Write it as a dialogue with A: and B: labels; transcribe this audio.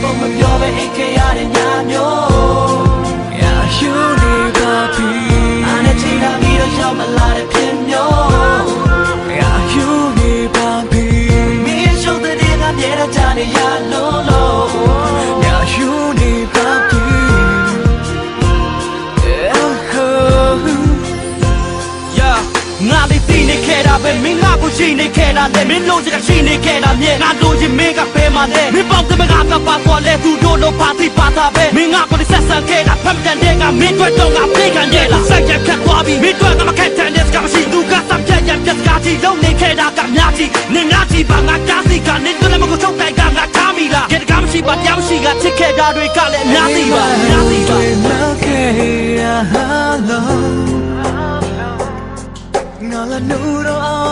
A: ပုံမပြောပဲအိတ်ခဲရတဲ့ညမျိုးရာယူနေပါပြီအားနဲ့ချိန်လာပြီးတော့ရောက်မလာတဲ့ဖြစ်မျိုးရာယူနေပါပြီမင်းရှုပ်တဲ့ကမြေတော့ကြနေရလို့ရာယူနေပါပြီငါလေးသိနေခဲ့တာပဲမင်းငါကိုရှိနေခဲ့တာလေမင်းလို့ချင်ရှိနေခဲ့တာမြဲငါတို့ချင်းမင်းကပဲမှလည်းမင်းပေါက်တဲ့မကပါပေါ်လဲသူတို့လို့ပါတိပါတာပဲမင်းငါကိုဆက်ဆံခဲ့တာဖမ်းတဲ့တဲ့ကမင်းတို့တော့ငါပြေးခံရလားစိုက်ရခက်သွားပြီမင်းတို့ကမခက်တဲ့တဲ့ကမရှိသူကစပ်ပြက်ရပြက်ကားကြီးလုံးနေခဲ့တာကများကြီးနင်ငါကြီးပါငါကားစီကနေတို့လည်းမကိုချုပ်တိုင်ကငါထားမိလားကြက်ကားမရှိပါတရားမရှိကချစ်ခဲ့တာတွေကလည်းအများကြီးပါအများကြီးပါငါလာနူတော့